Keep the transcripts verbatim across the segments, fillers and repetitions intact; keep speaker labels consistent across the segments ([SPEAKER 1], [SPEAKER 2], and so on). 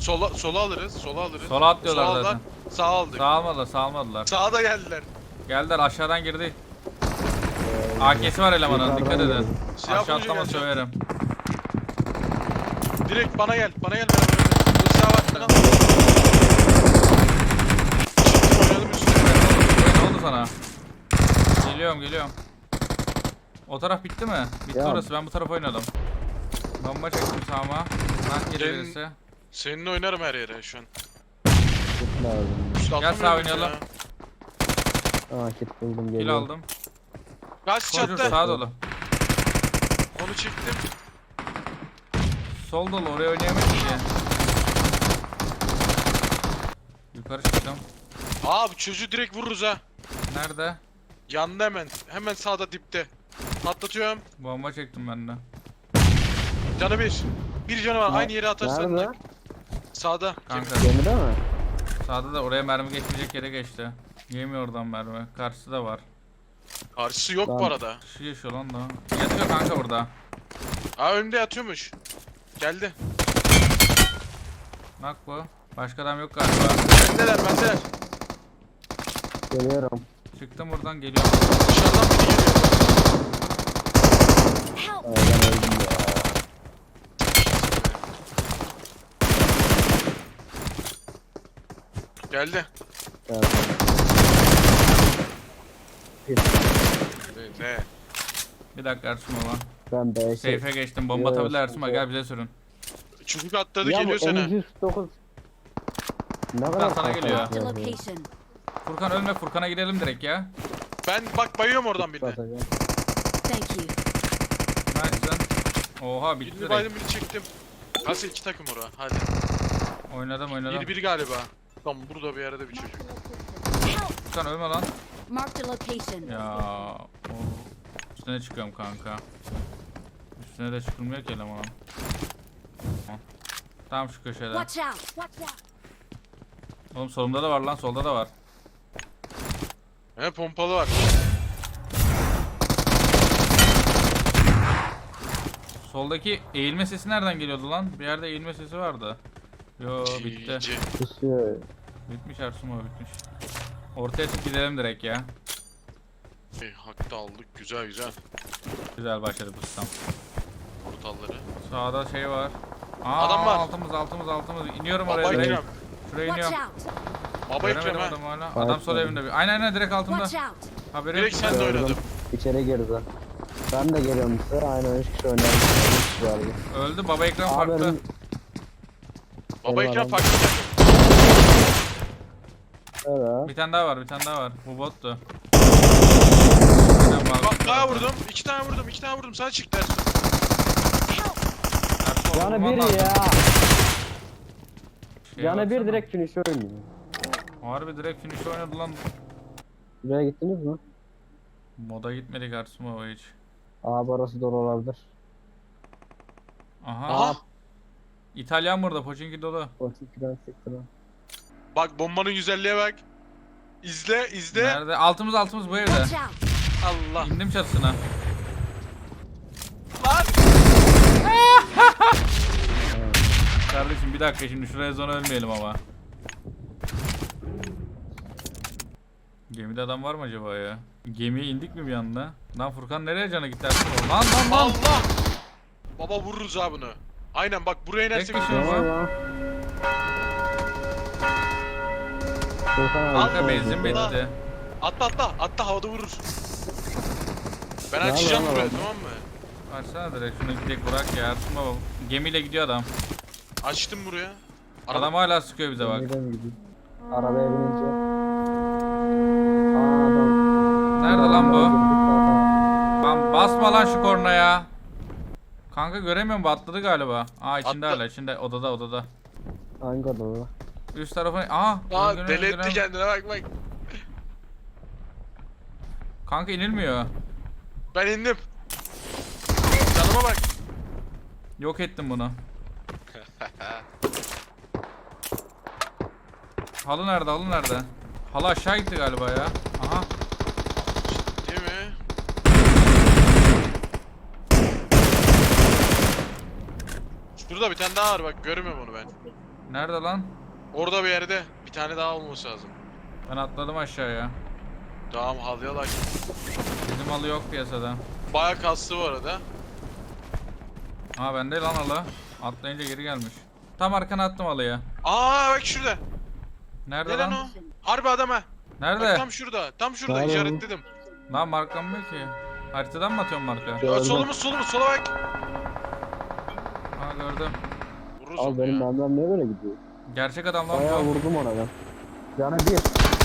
[SPEAKER 1] Sola sola alırız. Sola alırız.
[SPEAKER 2] Sola atlıyorlar
[SPEAKER 1] Sola
[SPEAKER 2] zaten.
[SPEAKER 1] Sağ aldık.
[SPEAKER 2] Sağ almadılar, sağ almadılar.
[SPEAKER 1] Sağa da geldiler.
[SPEAKER 2] Geldiler, aşağıdan girdi. A K'si var elemanın, dikkat
[SPEAKER 3] Yukarıdan
[SPEAKER 2] edin.
[SPEAKER 3] geldi.
[SPEAKER 1] Silah
[SPEAKER 2] Aşağı
[SPEAKER 1] bulunca
[SPEAKER 2] atlama
[SPEAKER 1] geleceğim.
[SPEAKER 2] söverim.
[SPEAKER 1] Direkt bana gel. Bana gel. Beraber oynayalım. Bu silah var. Lan. Çıktım oynadım üstüne.
[SPEAKER 2] Ne oldu sana? Geliyorum, geliyorum. O taraf bitti mi? Bitti
[SPEAKER 3] Ya.
[SPEAKER 2] orası, ben bu tarafa oynadım. Bomba çektim sağıma. Lan geri
[SPEAKER 1] Gelin.
[SPEAKER 2] birisi.
[SPEAKER 1] Seninle oynarım her yere şu an.
[SPEAKER 3] Kit lazım.
[SPEAKER 1] Üstü
[SPEAKER 2] Gel
[SPEAKER 1] atlamıyorum
[SPEAKER 2] sağa oynayalım.
[SPEAKER 1] ya.
[SPEAKER 3] Aa kit buldum
[SPEAKER 2] Kill
[SPEAKER 3] geliyor.
[SPEAKER 2] aldım.
[SPEAKER 1] Kaç
[SPEAKER 2] Koşur
[SPEAKER 1] çattı.
[SPEAKER 2] sağa dolu.
[SPEAKER 1] Onu çektim.
[SPEAKER 2] Sol dolu, oraya oynayamayız ki. Yukarı çıktım.
[SPEAKER 1] Aa bu çocuğu direkt vururuz ha.
[SPEAKER 2] Nerede?
[SPEAKER 1] Yandı hemen. Hemen sağda dipte. Patlatıyorum.
[SPEAKER 2] Bomba çektim ben de.
[SPEAKER 1] Canı bir. Bir canı var.
[SPEAKER 3] Ne-
[SPEAKER 1] Aynı yere atarsan.
[SPEAKER 3] Nerede?
[SPEAKER 1] da- Sağda.
[SPEAKER 2] Kanka
[SPEAKER 3] Gemide mi?
[SPEAKER 2] sağda da oraya mermi geçmeyecek yere geçti. Yemiyor oradan mermi. Karşısı da var.
[SPEAKER 1] Karşısı yok bu
[SPEAKER 3] Tamam.
[SPEAKER 1] arada.
[SPEAKER 2] Şu yaşıyor lan da. Yatıyor kanka burada.
[SPEAKER 1] Aa önümde yatıyormuş. Geldi.
[SPEAKER 2] Bak bu. Başka adam yok galiba.
[SPEAKER 1] Bendeler bendeler.
[SPEAKER 3] Geliyorum.
[SPEAKER 2] Çıktım buradan geliyorum.
[SPEAKER 1] Dışarıdan biri geliyor.
[SPEAKER 3] Aa, ben öldüm ya.
[SPEAKER 1] Geldi.
[SPEAKER 3] Geldim. Kit.
[SPEAKER 1] Ne? ne?
[SPEAKER 2] Bir dakika Ersun baba.
[SPEAKER 3] Ben B şey.
[SPEAKER 2] Seyfe geçtim. Bomba
[SPEAKER 3] Yok,
[SPEAKER 2] atabilir Ersun baba.
[SPEAKER 3] yok.
[SPEAKER 2] Gel bize sürün.
[SPEAKER 1] Çocuk atladı
[SPEAKER 3] Ya
[SPEAKER 1] geliyor
[SPEAKER 3] bu
[SPEAKER 1] sana.
[SPEAKER 3] M yüz dokuz. Ne
[SPEAKER 2] sana
[SPEAKER 3] kadar fark
[SPEAKER 2] geliyor.
[SPEAKER 3] atıyor
[SPEAKER 4] Marked a
[SPEAKER 3] bu?
[SPEAKER 4] location.
[SPEAKER 2] Furkan ölme, Furkan'a gidelim direkt ya.
[SPEAKER 1] Ben bak bayıyorum oradan birine.
[SPEAKER 3] Atacağım.
[SPEAKER 4] Thank you.
[SPEAKER 2] Nice. Oha bitti
[SPEAKER 1] Birini
[SPEAKER 2] direkt.
[SPEAKER 1] baydım birini çektim. Nasıl iki takım oraya? Hadi.
[SPEAKER 2] Oynadım oynadım.
[SPEAKER 1] Bir bir galiba. Tamam burada bir yerde bir çocuk.
[SPEAKER 2] Furkan ölme lan.
[SPEAKER 4] Marked a location.
[SPEAKER 2] Ya. Oh. Üstüne çıkıyorum kanka. Üstüne de çıkılmıyor ki elemanın. Tam şu köşede.
[SPEAKER 4] Watch out. Watch out.
[SPEAKER 2] Oğlum solumda da var lan, solda da var.
[SPEAKER 1] He pompalı var.
[SPEAKER 2] Soldaki eğilme sesi nereden geliyordu lan? Bir yerde eğilme sesi vardı. Yo bitti.
[SPEAKER 1] G G.
[SPEAKER 3] Kusuyor.
[SPEAKER 2] Bitmiş Ersun o bitmiş. Ortaya çık gidelim direkt ya.
[SPEAKER 1] Hey, hakta aldık. Güzel güzel.
[SPEAKER 2] Güzel başladı bu sistem.
[SPEAKER 1] Portalları.
[SPEAKER 2] Sağda şey var. Aa,
[SPEAKER 1] Adam var.
[SPEAKER 2] Altımız altımız altımız. İniyorum oraya
[SPEAKER 1] Baba
[SPEAKER 2] direkt.
[SPEAKER 1] Ekrem.
[SPEAKER 2] Şuraya
[SPEAKER 4] Watch
[SPEAKER 2] iniyorum.
[SPEAKER 4] out.
[SPEAKER 1] Baba Ekrem
[SPEAKER 2] Göremedim
[SPEAKER 1] ha.
[SPEAKER 2] adamı hala.
[SPEAKER 3] Bak,
[SPEAKER 2] Adam sol
[SPEAKER 3] bak.
[SPEAKER 2] evinde bir. Aynen aynen direkt altımda.
[SPEAKER 4] Watch out.
[SPEAKER 2] Haberi
[SPEAKER 1] Direkt
[SPEAKER 2] yok.
[SPEAKER 1] sen de
[SPEAKER 3] Gördüm.
[SPEAKER 1] oynadım.
[SPEAKER 3] İçeri girdi. Ben de geliyorum size. Aynen üç kişi oynadım. üç kişi vardı.
[SPEAKER 2] Öldü baba ekran
[SPEAKER 3] Abi
[SPEAKER 2] farklı.
[SPEAKER 3] benim-
[SPEAKER 1] Baba Ekrem
[SPEAKER 3] Eyvallah.
[SPEAKER 1] farklı takım.
[SPEAKER 3] Evet.
[SPEAKER 2] Bir tane daha var, bir tane daha var. Bu bottu. Aynen, bak-
[SPEAKER 1] Bak daha vurdum. İki tane vurdum. iki tane vurdum. Sana çıktı Ersun.
[SPEAKER 2] Ersun,
[SPEAKER 3] Canı
[SPEAKER 2] vurman
[SPEAKER 3] bir
[SPEAKER 2] lazım.
[SPEAKER 3] ya.
[SPEAKER 2] Şeye
[SPEAKER 3] Canı bir
[SPEAKER 2] baksana.
[SPEAKER 3] direkt finish oynuyor.
[SPEAKER 2] Harbi direkt finish oynadı lan.
[SPEAKER 3] Buraya gittiniz mi?
[SPEAKER 2] Moda gitmedik Ersun baba hiç.
[SPEAKER 3] Abi orası dolu olabilir.
[SPEAKER 2] Aha.
[SPEAKER 1] Aha.
[SPEAKER 2] İtalyan burada, Pochinki dolu.
[SPEAKER 3] Portikiden siktir lan.
[SPEAKER 1] Bak bombanın güzelliğe bak. İzle izle.
[SPEAKER 2] Nerede? Altımız altımız bu evde.
[SPEAKER 4] Watch out.
[SPEAKER 1] Allah.
[SPEAKER 2] İndim çatısına.
[SPEAKER 1] Lan.
[SPEAKER 2] Kardeşim bir dakika şimdi şuraya zona ölmeyelim ama. Gemide adam var mı acaba ya? Gemiye indik mi bir anda? Lan Furkan nereye cana gitti Ersun? Lan lan lan!
[SPEAKER 1] Allah. Baba vururuz ha bunu. Aynen bak buraya inersek.
[SPEAKER 2] Tek kişi
[SPEAKER 1] vururuz.
[SPEAKER 2] var.
[SPEAKER 3] Tamam ya. Furkan abi,
[SPEAKER 2] Kanka
[SPEAKER 3] sen
[SPEAKER 2] benzin
[SPEAKER 3] vur.
[SPEAKER 2] bitti.
[SPEAKER 1] Atla atla. Atla havada vururuz. Ben
[SPEAKER 3] Ne
[SPEAKER 1] açacağım
[SPEAKER 3] yapalım
[SPEAKER 1] buraya
[SPEAKER 3] abi?
[SPEAKER 1] tamam mı?
[SPEAKER 2] Açsana direkt şunu gidelim bırak ya Ersun baba. Gemiyle gidiyor adam.
[SPEAKER 1] Açtım buraya. Araba-
[SPEAKER 2] Adam hala sıkıyor bize bak.
[SPEAKER 3] Nereden gidiyor? Arabaya binince. Aa adam.
[SPEAKER 2] Nerede lan bu?
[SPEAKER 3] Aa,
[SPEAKER 2] Lan basma lan şu kornaya. Kanka göremiyorum bu atladı galiba. Aa içinde
[SPEAKER 1] Atla-
[SPEAKER 2] hala içinde odada odada.
[SPEAKER 3] Hangi odada?
[SPEAKER 2] Üst tarafı aa.
[SPEAKER 1] Aa
[SPEAKER 2] öldürüyorum,
[SPEAKER 1] deli etti
[SPEAKER 2] öldürüyorum.
[SPEAKER 1] kendine bak bak.
[SPEAKER 2] Kanka inilmiyor.
[SPEAKER 1] Ben indim. Canıma bak.
[SPEAKER 2] Yok ettim bunu. Halı nerede halı nerede? Halı aşağı gitti galiba ya. Aha.
[SPEAKER 1] Değil mi? Şurada bir tane daha var bak görmüyorum onu ben.
[SPEAKER 2] Nerede lan?
[SPEAKER 1] Orada bir yerde. Bir tane daha olması lazım.
[SPEAKER 2] Ben atladım aşağıya.
[SPEAKER 1] Tamam halıya like.
[SPEAKER 2] Bizim halı yok piyasada.
[SPEAKER 1] Bayağı kaslı bu arada.
[SPEAKER 2] Aa bende lan halı. Atlayınca geri gelmiş. Tam arkana attım halıyı.
[SPEAKER 1] Aa bak şurada.
[SPEAKER 2] Nerede
[SPEAKER 1] Ne lan
[SPEAKER 2] lan?
[SPEAKER 1] o? Harbi adam ha. Bak
[SPEAKER 2] Nerede?
[SPEAKER 1] tam şurada. Tam şurada
[SPEAKER 3] Nerede?
[SPEAKER 1] işaretledim.
[SPEAKER 2] Lan markamıyor ki. Haritadan mı atıyorum marka?
[SPEAKER 1] Ya,
[SPEAKER 3] Gördüm.
[SPEAKER 1] solumuz solumuz sola bak.
[SPEAKER 2] Aa gördüm.
[SPEAKER 1] Vururuz
[SPEAKER 3] Abi
[SPEAKER 1] onu
[SPEAKER 3] benim
[SPEAKER 1] ya.
[SPEAKER 3] adam niye böyle gidiyor?
[SPEAKER 2] Gerçek adam lan
[SPEAKER 3] Bayağı
[SPEAKER 2] bu.
[SPEAKER 3] vurdum ona ben. Canı bir.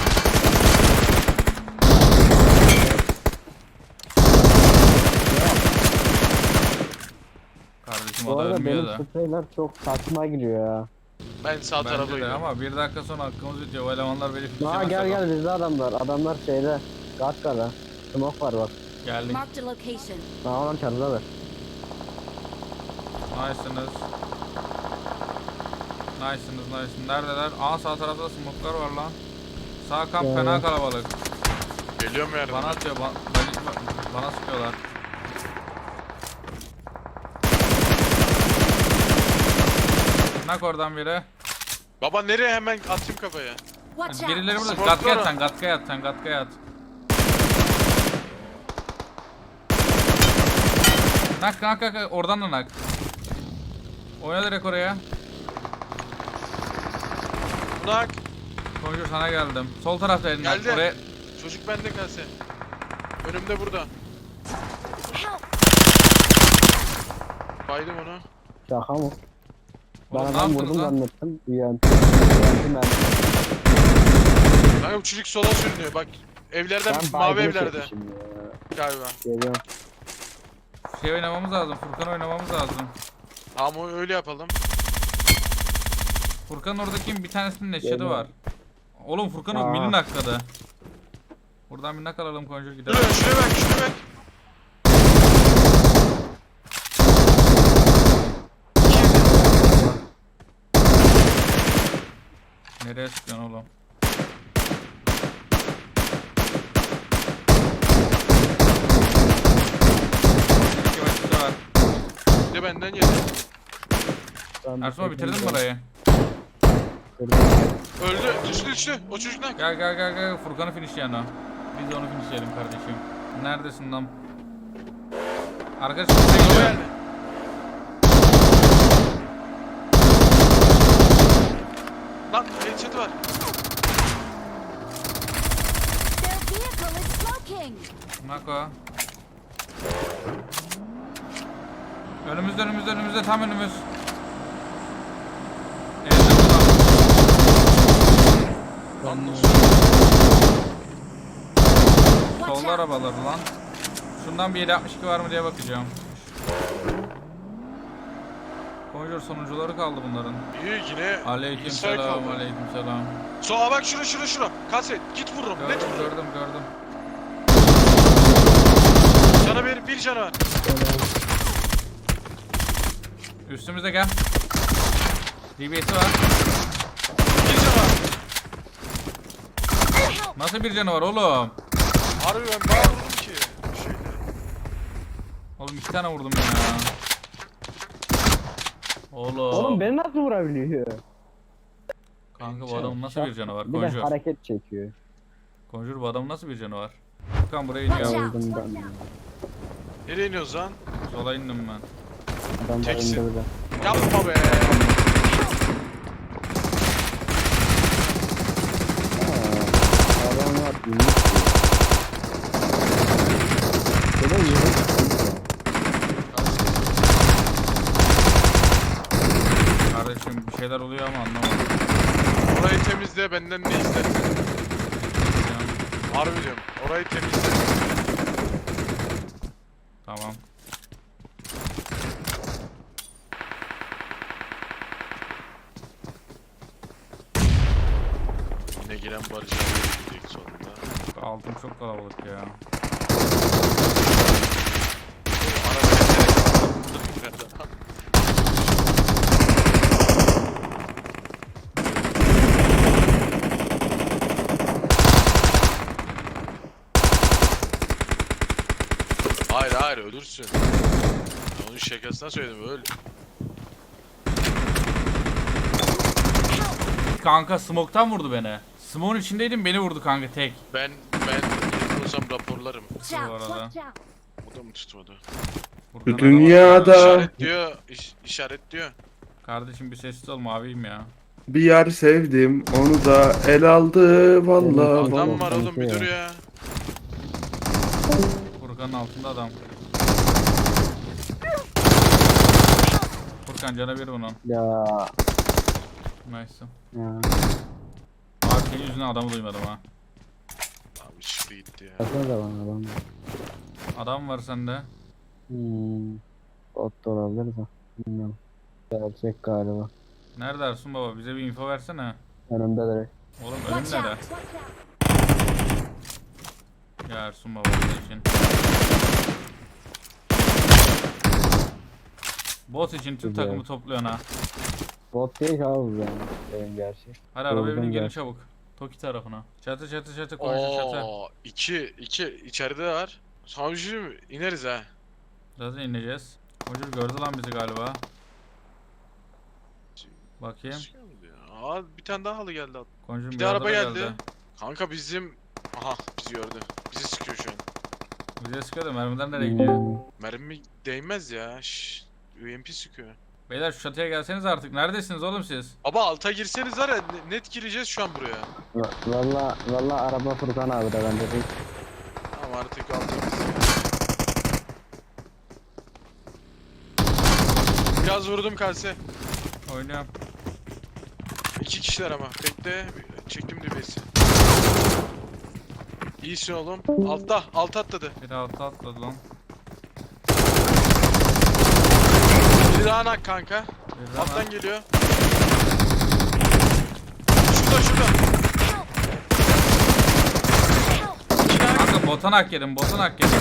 [SPEAKER 2] Kardeşim
[SPEAKER 3] Bu
[SPEAKER 2] o da
[SPEAKER 3] arada
[SPEAKER 2] ölmüyor
[SPEAKER 3] benim
[SPEAKER 2] da.
[SPEAKER 3] spreyler çok saçma gidiyor ya.
[SPEAKER 1] Ben sağ tarafa
[SPEAKER 2] Bence de
[SPEAKER 1] gidiyorum.
[SPEAKER 2] ama bir dakika sonra hakkımız bitiyor. O elemanlar beni
[SPEAKER 3] Aa
[SPEAKER 2] fişlemezse
[SPEAKER 3] gel
[SPEAKER 2] bak.
[SPEAKER 3] gel bizde adamlar. Adamlar şeyde. Gatka'da. Smoke var bak.
[SPEAKER 2] Geldik.
[SPEAKER 4] Marked a location.
[SPEAKER 3] Aa lan çarıdalar.
[SPEAKER 2] Nice'sınız. Nice'sınız nice'sınız. Neredeler? Aa sağ tarafta smoke'lar var lan. Sağ kamp
[SPEAKER 3] Ya.
[SPEAKER 2] fena kalabalık.
[SPEAKER 1] Geliyorum yardım.
[SPEAKER 2] Bana atıyor. Ba bana, bana sıkıyorlar. Nak oradan biri.
[SPEAKER 1] Baba nereye hemen atayım kafaya?
[SPEAKER 4] Watch out!
[SPEAKER 2] Birileri burada.
[SPEAKER 1] Smoke
[SPEAKER 2] Gatkaya
[SPEAKER 1] var
[SPEAKER 2] at
[SPEAKER 1] ha.
[SPEAKER 2] sen. Gatkaya at sen. Gatkaya at. Nak nak nak. Oradan da nak. Oyna direkt oraya.
[SPEAKER 1] Bunak.
[SPEAKER 2] Konjur sana geldim. Sol tarafta elin nak.
[SPEAKER 1] Geldi.
[SPEAKER 2] Oraya.
[SPEAKER 1] Çocuk bende kalse. Önümde burada.
[SPEAKER 4] Help!
[SPEAKER 1] Baydım onu.
[SPEAKER 3] Şaka mı? Ben
[SPEAKER 2] Oğlum, ne
[SPEAKER 3] adam
[SPEAKER 2] yaptınız
[SPEAKER 3] vurdum
[SPEAKER 2] lan?
[SPEAKER 3] zannettim. U M P. U M P ben.
[SPEAKER 1] Kanka bu çocuk sola sürünüyor bak. Evlerden
[SPEAKER 3] Ben
[SPEAKER 1] mavi
[SPEAKER 3] baygın
[SPEAKER 1] evlerde
[SPEAKER 3] çekmişim ya.
[SPEAKER 1] galiba.
[SPEAKER 3] Geliyorum.
[SPEAKER 2] Şey oynamamız lazım. Furkan oynamamız lazım.
[SPEAKER 1] Tamam öyle yapalım.
[SPEAKER 2] Furkan oradaki bir tanesinin neşedi
[SPEAKER 3] Geliyorum.
[SPEAKER 2] var. Oğlum Furkan o
[SPEAKER 3] Aa.
[SPEAKER 2] mini nakladı. Buradan bir nak alalım Konjur gidelim.
[SPEAKER 1] Şuraya şuraya bak şuraya bak.
[SPEAKER 2] Nereye sıkıyorsun oğlum? İki başlıkta var.
[SPEAKER 1] Bir de benden yedi.
[SPEAKER 3] Ben
[SPEAKER 2] Ersun
[SPEAKER 3] bir
[SPEAKER 2] bitirdin mi
[SPEAKER 3] çekeyim
[SPEAKER 2] burayı?
[SPEAKER 3] de.
[SPEAKER 1] Öldü düştü düştü. O çocuk ne?
[SPEAKER 2] Gel gel gel gel Furkan'ı finishleyen o. Biz de onu finishleyelim kardeşim. Neredesin lan? Arkadaşım buraya
[SPEAKER 1] O
[SPEAKER 2] geliyor.
[SPEAKER 1] geldi. Lan headshot'ı var.
[SPEAKER 4] Their vehicle is smoking!
[SPEAKER 2] Nako. Önümüzde önümüzde önümüzde tam önümüz. Evde burada.
[SPEAKER 1] Lan nasıl?
[SPEAKER 4] Watch
[SPEAKER 2] Solda
[SPEAKER 4] out!
[SPEAKER 2] arabaları lan. Şundan bir yedi altmış iki var mı diye bakacağım. Konjur sonuncuları kaldı bunların.
[SPEAKER 1] İyi yine.
[SPEAKER 2] Aleykümselam,
[SPEAKER 1] kaldı.
[SPEAKER 2] aleykümselam.
[SPEAKER 1] Soğa bak şura şura şura. Kaset git vururum. Net
[SPEAKER 2] Gördüm,
[SPEAKER 1] vururum.
[SPEAKER 2] gördüm, gördüm.
[SPEAKER 1] Sana bir, bir canı var.
[SPEAKER 2] Üstümüze gel. D B S'i var.
[SPEAKER 1] Bir canı var.
[SPEAKER 2] Nasıl bir canı var oğlum?
[SPEAKER 1] Harbi ben bayağı vurdum ki. Şeyde.
[SPEAKER 2] Oğlum iki tane vurdum ya. Oğlum.
[SPEAKER 3] Oğlum beni nasıl vurabiliyor?
[SPEAKER 2] Kanka bu adamın nasıl bir canı var?
[SPEAKER 3] Bir de
[SPEAKER 2] Konjur.
[SPEAKER 3] hareket çekiyor.
[SPEAKER 2] Konjur bu adamın nasıl bir canı var? Furkan buraya iniyor.
[SPEAKER 4] Watch out!
[SPEAKER 3] Öldüm ben.
[SPEAKER 1] Nereye iniyoruz lan?
[SPEAKER 2] Sola indim ben.
[SPEAKER 3] Adam da
[SPEAKER 1] Teksin.
[SPEAKER 3] indirdi.
[SPEAKER 1] Yapma be.
[SPEAKER 3] Aa, adamlar inmiş diyor. Bir de yürü.
[SPEAKER 2] Kardeşim bir şeyler oluyor ama anlamadım.
[SPEAKER 1] Orayı temizle benden ne istersen. Harbi diyorum. Orayı temizle.
[SPEAKER 2] Tamam.
[SPEAKER 1] Yine giren Barış abi gidecek sonunda.
[SPEAKER 2] Altın çok kalabalık ya.
[SPEAKER 1] Hayır hayır ölürsün. Onun şakasına söyledim öl.
[SPEAKER 2] kanka smoke'tan vurdu beni. Smoke'un içindeydim beni vurdu kanka tek.
[SPEAKER 1] Ben ben olsam raporlarım.
[SPEAKER 4] Watch
[SPEAKER 2] Bu
[SPEAKER 4] out!
[SPEAKER 2] arada.
[SPEAKER 4] Watch out!
[SPEAKER 1] O da mı tutmadı?
[SPEAKER 2] Furkan
[SPEAKER 5] Bu dünyada
[SPEAKER 1] İşaret diyor. iş, işaret diyor.
[SPEAKER 2] adam- Kardeşim bir sessiz ol maviyim ya.
[SPEAKER 5] bir yer sevdim, onu da el aldı vallahi.
[SPEAKER 1] Adam
[SPEAKER 5] vallahi.
[SPEAKER 1] var oğlum bir
[SPEAKER 3] ya.
[SPEAKER 1] dur ya.
[SPEAKER 2] Furkan'ın altında adam. Furkan cana bir bunun.
[SPEAKER 3] Ya.
[SPEAKER 2] Nice.
[SPEAKER 3] Ya.
[SPEAKER 2] Abi senin yüzünden adamı duymadım ha.
[SPEAKER 1] Abi çıktı gitti ya.
[SPEAKER 3] Bakın da bana adam.
[SPEAKER 2] Adam var sende.
[SPEAKER 3] Hmm. Bot da olabilir de. Bilmiyorum. Gerçek galiba.
[SPEAKER 2] Nerede Ersun baba? Bize bir info versene.
[SPEAKER 3] Önümde direkt.
[SPEAKER 2] Oğlum
[SPEAKER 4] Watch
[SPEAKER 2] önüm nere?
[SPEAKER 4] out! Watch out!
[SPEAKER 2] Ya Ersun baba Allah için. Bot için tüm
[SPEAKER 3] Güzel.
[SPEAKER 2] takımı topluyorsun ha.
[SPEAKER 3] Bot değil ki abi bu yani. Benim gerçek.
[SPEAKER 2] Hadi arabaya
[SPEAKER 3] Gördüm
[SPEAKER 2] binin gelin
[SPEAKER 3] ben.
[SPEAKER 2] çabuk. Toki tarafına. Çatı çatı çatı konuşun çatı.
[SPEAKER 1] Oo, iki, iki içeride de var. Sana bir şey diyeyim mi? İneriz ha.
[SPEAKER 2] Zaten ineceğiz. Hocam gördü lan bizi galiba. Bakayım.
[SPEAKER 1] Aa bir tane daha halı geldi.
[SPEAKER 2] Konjur
[SPEAKER 1] Bir de araba geldi. Kanka bizim... Aha bizi gördü. Bizi sıkıyor şu an.
[SPEAKER 2] Bize sıkıyor da mermiden nereye gidiyor?
[SPEAKER 3] Hmm.
[SPEAKER 1] Mermi değmez ya. Şşş. U M P sıkıyor.
[SPEAKER 2] Beyler şu çatıya gelseniz artık. Neredesiniz oğlum siz?
[SPEAKER 1] Baba alta girseniz var ya ne- net gireceğiz şu an buraya.
[SPEAKER 3] Va- Valla valla araba Furkan abi de bence değil.
[SPEAKER 1] Tamam artık alta girsin. Biraz vurdum kalse.
[SPEAKER 2] Oynuyorum.
[SPEAKER 1] İki kişiler ama. Bekle. Çektim dübesi. İyisin oğlum. Altta. Alta atladı.
[SPEAKER 2] Bir altta atladı lan.
[SPEAKER 1] Bir daha nak kanka.
[SPEAKER 2] Bir
[SPEAKER 1] Alttan
[SPEAKER 2] hemen-
[SPEAKER 1] geliyor. Şurada şurada. İki nak.
[SPEAKER 2] Kanka botan hak yedim, botan hak yedim.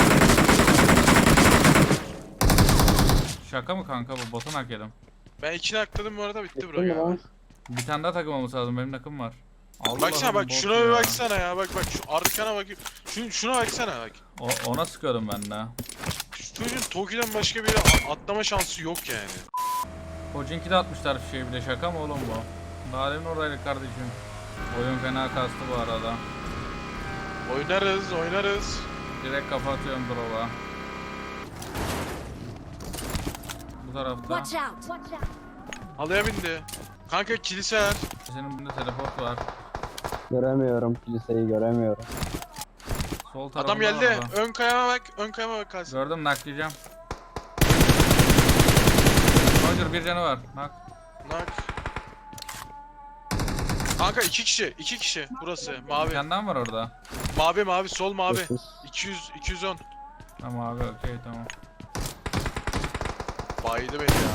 [SPEAKER 2] Şaka mı kanka bu? Botan hak yedim.
[SPEAKER 1] Ben iki nakladım bu arada bitti
[SPEAKER 3] Bitti
[SPEAKER 1] bro
[SPEAKER 3] mi
[SPEAKER 1] ya.
[SPEAKER 3] lan?
[SPEAKER 2] Bir tane daha takım olması lazım. Benim takım var. Allah'ım
[SPEAKER 1] Baksana bak
[SPEAKER 2] bot
[SPEAKER 1] şuna
[SPEAKER 2] ya.
[SPEAKER 1] bir baksana ya. Bak bak şu arkana bak. Şun, şuna baksana bak.
[SPEAKER 2] O, ona sıkıyordum ben de.
[SPEAKER 1] Şu çocuğun Toki'den başka bir yere a- atlama şansı yok yani.
[SPEAKER 2] Kocinki de atmışlar bir şey bir de şaka mı oğlum bu? Daha demin oradaydık kardeşim. Oyun fena kastı bu arada.
[SPEAKER 1] Oynarız oynarız.
[SPEAKER 2] Direkt kafa atıyorum drop'a. Bu tarafta.
[SPEAKER 4] Watch out! Watch out!
[SPEAKER 1] Halıya bindi. Kanka kiliseler.
[SPEAKER 2] Senin bunda teleport var.
[SPEAKER 3] Göremiyorum. Kiliseyi göremiyorum.
[SPEAKER 2] Sol tarafta
[SPEAKER 1] Adam geldi.
[SPEAKER 2] araba.
[SPEAKER 1] Ön kayama bak. Ön kayama bak kalsın.
[SPEAKER 2] Gördüm naklayacağım. Roger bir canı var. Nak.
[SPEAKER 1] Nak. Kanka iki kişi. iki kişi. Burası.
[SPEAKER 2] Bir
[SPEAKER 1] Mavi.
[SPEAKER 2] tane daha mı var orada?
[SPEAKER 1] Mavi mavi. Sol mavi.
[SPEAKER 3] Sus.
[SPEAKER 1] iki yüz iki yüz on.
[SPEAKER 2] Tamam abi okey tamam.
[SPEAKER 1] Baydı beni ya.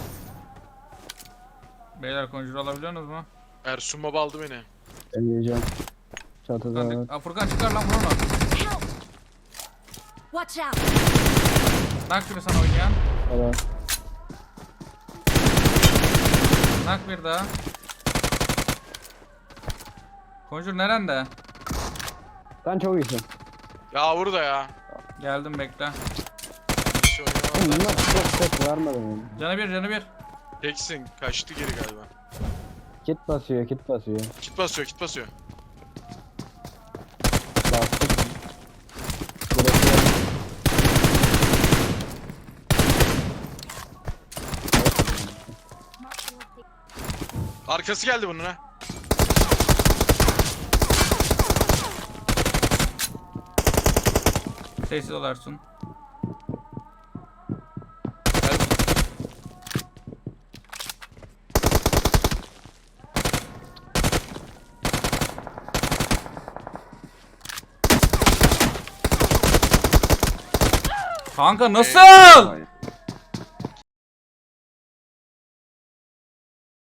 [SPEAKER 2] Beyler konjur alabiliyorsunuz mu?
[SPEAKER 1] Ersun baba aldı beni.
[SPEAKER 3] Ben diyeceğim. Çatıda var.
[SPEAKER 2] Furkan, Aa, Furkan çıkar lan vur onu.
[SPEAKER 4] Help! Watch out!
[SPEAKER 2] Nak biri sana oynayan.
[SPEAKER 3] Evet.
[SPEAKER 2] Nak bir daha. Konjur nerende?
[SPEAKER 3] Sen çok iyisin.
[SPEAKER 1] Ya burada ya.
[SPEAKER 2] Geldim bekle.
[SPEAKER 1] Bir şey oynamam.
[SPEAKER 3] Bunlar çok ses vermedi mi?
[SPEAKER 2] Canı bir canı bir.
[SPEAKER 1] Teksin. Kaçtı geri galiba.
[SPEAKER 3] Kit basıyor, kit basıyor.
[SPEAKER 1] Kit basıyor kit basıyor.
[SPEAKER 3] Bastık. Direkt
[SPEAKER 1] Arkası geldi bunun ha.
[SPEAKER 2] Sessiz olarsın.
[SPEAKER 1] Geldi.
[SPEAKER 2] Kanka nasıl?